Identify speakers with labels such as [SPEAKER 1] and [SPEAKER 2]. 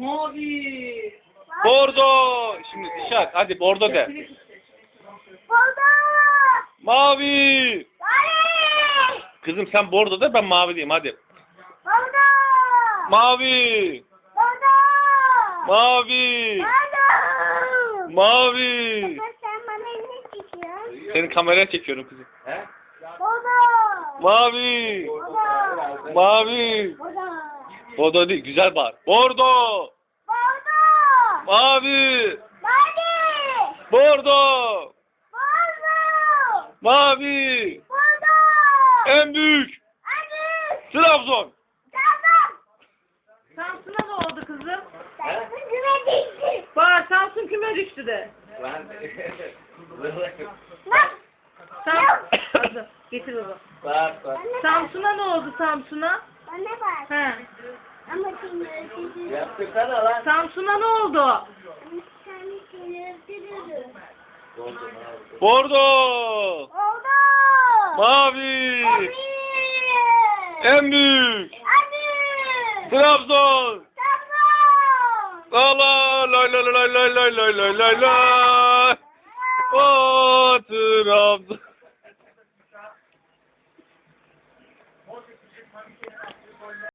[SPEAKER 1] Mavi.
[SPEAKER 2] Bordo. Şimdi Dişak hadi bordo de.
[SPEAKER 3] Bordo.
[SPEAKER 2] Mavi.
[SPEAKER 3] Mavi.
[SPEAKER 2] Kızım sen bordo de ben mavi diyeyim hadi.
[SPEAKER 3] Bordo.
[SPEAKER 2] Mavi.
[SPEAKER 3] Bordo.
[SPEAKER 2] Mavi.
[SPEAKER 3] Bordo.
[SPEAKER 2] Mavi.
[SPEAKER 3] Baba sen bana ne çekiyorsun?
[SPEAKER 2] Seni kameraya çekiyorum kızım.
[SPEAKER 3] Bordo.
[SPEAKER 2] Mavi.
[SPEAKER 3] Bordo.
[SPEAKER 2] Mavi.
[SPEAKER 3] Bordo.
[SPEAKER 2] Bordo değil güzel bağır. Bordo.
[SPEAKER 3] Bordo.
[SPEAKER 2] Mavi.
[SPEAKER 3] Mavi.
[SPEAKER 2] Bordo.
[SPEAKER 3] Bordo.
[SPEAKER 2] Mavi.
[SPEAKER 3] Bordo.
[SPEAKER 2] En büyük.
[SPEAKER 3] Hadi.
[SPEAKER 2] Trabzon.
[SPEAKER 3] Tamam.
[SPEAKER 1] Samsun'a ne oldu kızım?
[SPEAKER 3] Sen güme değilsin.
[SPEAKER 1] Bak Samsun küme düştü de.
[SPEAKER 3] Bak.
[SPEAKER 1] Hadi, getir baba. Samsun'a ne oldu Samsun'a?
[SPEAKER 3] Bana bak.
[SPEAKER 1] He.
[SPEAKER 3] Ama seni öldürürüm.
[SPEAKER 4] Yaptırsana lan.
[SPEAKER 1] Samsun'a ne oldu?
[SPEAKER 3] Ama seni öldürürüm.
[SPEAKER 2] Bordo.
[SPEAKER 3] Oldu.
[SPEAKER 2] Mavi.
[SPEAKER 3] Mavi.
[SPEAKER 2] En büyük.
[SPEAKER 3] Hadi.
[SPEAKER 2] Trabzon.
[SPEAKER 3] Tamam.
[SPEAKER 2] La la la la la la la la la la la. O Trabzon.